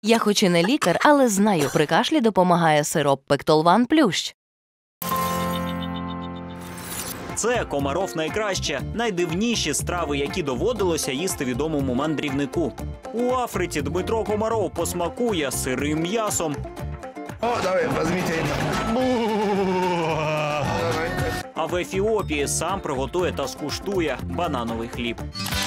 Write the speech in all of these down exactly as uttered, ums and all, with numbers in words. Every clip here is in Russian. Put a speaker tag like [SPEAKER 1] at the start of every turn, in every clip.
[SPEAKER 1] Я хоч і не лікар, але знаю, при кашлі допомагає сироп Пектолван Плющ.
[SPEAKER 2] Це Комаров найкраще, найдивніші страви, які доводилося їсти відомому мандрівнику. У Африці Дмитро Комаров посмакує сирим м'ясом.
[SPEAKER 3] О, давай, візьміть.
[SPEAKER 2] А в Ефіопії сам приготує та скуштує банановий хліб.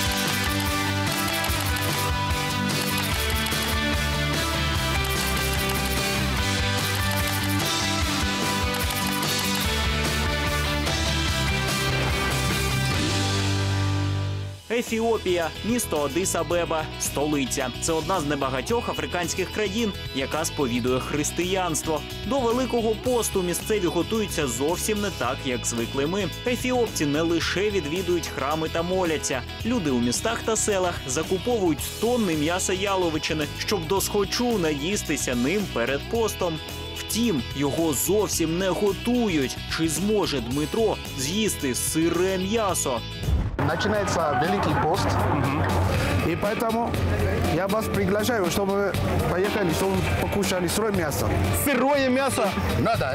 [SPEAKER 2] Ефіопія – місто Аддис-Абеба, столиця. Це одна з небагатьох африканських країн, яка сповідує християнство. До Великого посту місцеві готуються зовсім не так, як звикли ми. Ефіопці не лише відвідують храми та моляться. Люди у містах та селах закуповують тонни м'яса яловичини, щоб досхочу наїстися ним перед постом. Втім, його зовсім не готують. Чи зможе Дмитро з'їсти сире м'ясо?
[SPEAKER 3] Начинается Великий пост, угу. И поэтому я вас приглашаю, чтобы вы поехали, чтобы вы покушали сырое мясо.
[SPEAKER 4] Сырое мясо?
[SPEAKER 3] Надо.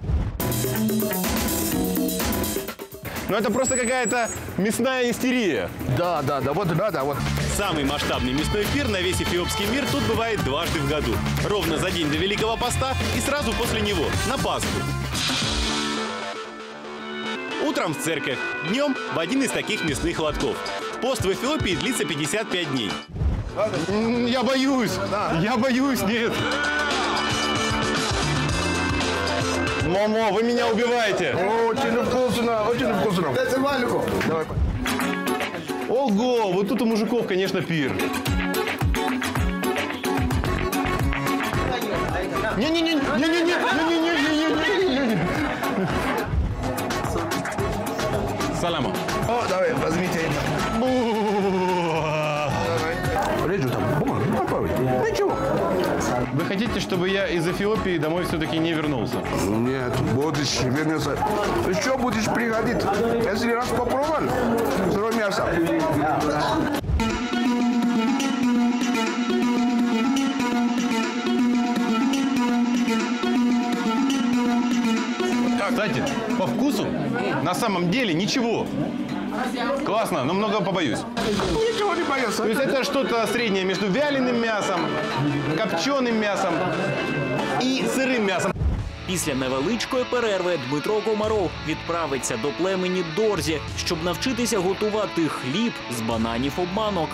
[SPEAKER 4] Ну это просто какая-то мясная истерия.
[SPEAKER 3] Да, да, да, вот надо, вот.
[SPEAKER 4] Самый масштабный мясной пир на весь эфиопский мир тут бывает дважды в году. Ровно за день до Великого поста и сразу после него, на Пасху. Утром в церковь, днем в один из таких мясных лотков. Пост в Эфиопии длится пятьдесят пять дней. Я боюсь, я боюсь, нет. Мамо, вы меня убиваете.
[SPEAKER 3] Очень вкусно, очень вкусно. Давай.
[SPEAKER 4] Ого, вот тут у мужиков, конечно, пир. Не-не-не-не-не-не-не-не-не-не-не-не. Салама.
[SPEAKER 3] О, давай, возьмите. Режу там. Ничего.
[SPEAKER 4] Вы хотите, чтобы я из Эфиопии домой все-таки не вернулся?
[SPEAKER 3] Нет, будешь вернуться. Еще будешь приходить, если раз попробовал сырое мясо.
[SPEAKER 4] Кстати, по вкусу на самом деле ничего. Классно, но много побоюсь.
[SPEAKER 3] Ничего не боюсь.
[SPEAKER 4] То есть это что-то среднее между вяленым мясом, копченым мясом і сирим м'ясом.
[SPEAKER 2] Після невеличкої перерви Дмитро Комаров відправиться до племені Дорзі, щоб навчитися готувати хліб з бананів обманок.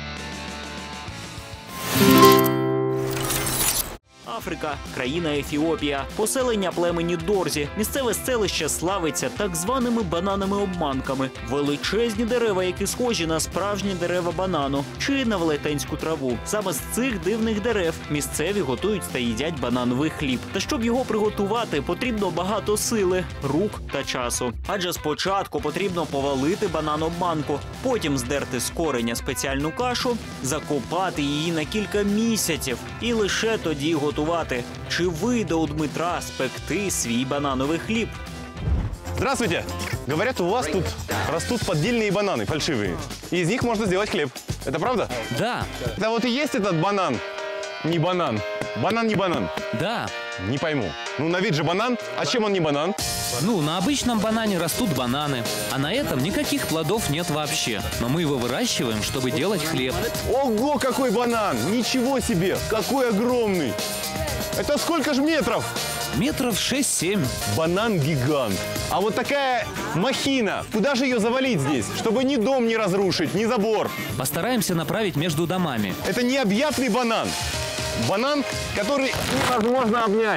[SPEAKER 2] Африка, країна Ефіопія, поселення племені Дорзі. Місцеве селище славиться так званими бананами-обманками. Величезні дерева, які схожі на справжні дерева банану чи на велетенську траву. Саме з цих дивних дерев місцеві готують та їдять банановий хліб. Та щоб його приготувати, потрібно багато сили, рук та часу. Адже спочатку потрібно повалити банан-обманку, потім здерти з кореня спеціальну кашу, закопати її на кілька місяців і лише тоді готувати. Чи вийде у Дмитра спекти свій банановий хліб?
[SPEAKER 4] Здравствуйте! Говорят, у вас тут растут поддельные бананы, фальшивые. И из них можно сделать хлеб. Это правда?
[SPEAKER 5] Да.
[SPEAKER 4] Это вот и есть этот банан. Не банан. Банан не банан.
[SPEAKER 5] Да.
[SPEAKER 4] Не пойму. Ну, на вид же банан. А чем он не банан?
[SPEAKER 5] Ну, на обычном банане растут бананы, а на этом никаких плодов нет вообще. Но мы его выращиваем, чтобы делать хлеб.
[SPEAKER 4] Ого, какой банан! Ничего себе! Какой огромный! Это сколько же метров?
[SPEAKER 5] Метров шесть-семь.
[SPEAKER 4] Банан-гигант. А вот такая махина, куда же ее завалить здесь, чтобы ни дом не разрушить, ни забор?
[SPEAKER 5] Постараемся направить между домами.
[SPEAKER 4] Это необъятный банан. Банан, который невозможно обнять.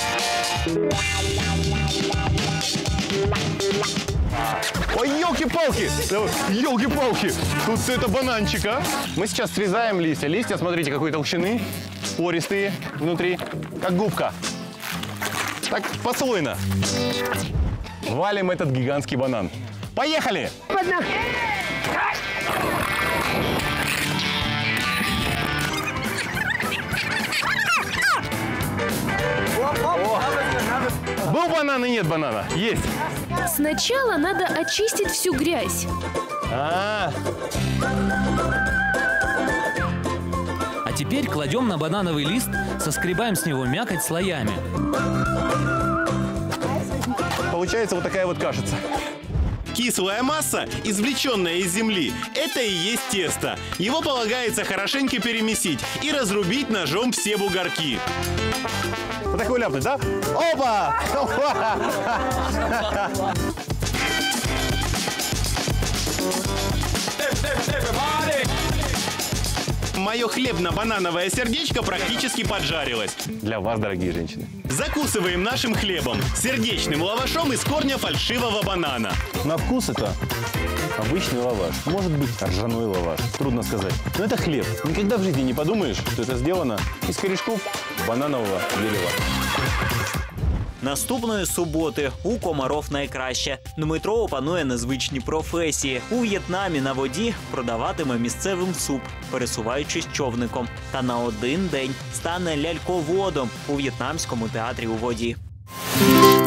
[SPEAKER 4] Ой, елки-палки! Елки-палки! Тут все это бананчик, а? Мы сейчас срезаем листья. Листья, смотрите, какой толщины. Пористые внутри, как губка. Так, послойно. Валим этот гигантский банан. Поехали! Был банан и нет банана? Есть.
[SPEAKER 6] Сначала надо очистить всю грязь.
[SPEAKER 4] А,
[SPEAKER 5] А теперь кладем на банановый лист, соскребаем с него мякоть слоями.
[SPEAKER 4] Получается вот такая вот кашица.
[SPEAKER 7] Кислая масса, извлеченная из земли, это и есть тесто. Его полагается хорошенько перемесить и разрубить ножом все бугорки.
[SPEAKER 4] Вот такой ляпнуть, да? Опа!
[SPEAKER 7] Мое хлебно-банановое сердечко практически поджарилось.
[SPEAKER 4] Для вас, дорогие женщины.
[SPEAKER 7] Закусываем нашим хлебом, сердечным лавашом из корня фальшивого банана.
[SPEAKER 4] На вкус это обычный лаваш. Может быть, ржаной лаваш. Трудно сказать. Но это хлеб. Никогда в жизни не подумаешь, что это сделано из корешков бананового дерева.
[SPEAKER 2] Наступної суботи у Комаров найкраще. Дмитро опанує незвичні професії. У В'єтнамі на воді продаватиме місцевим суп, пересуваючись човником. Та на один день стане ляльководом у В'єтнамському театрі у воді.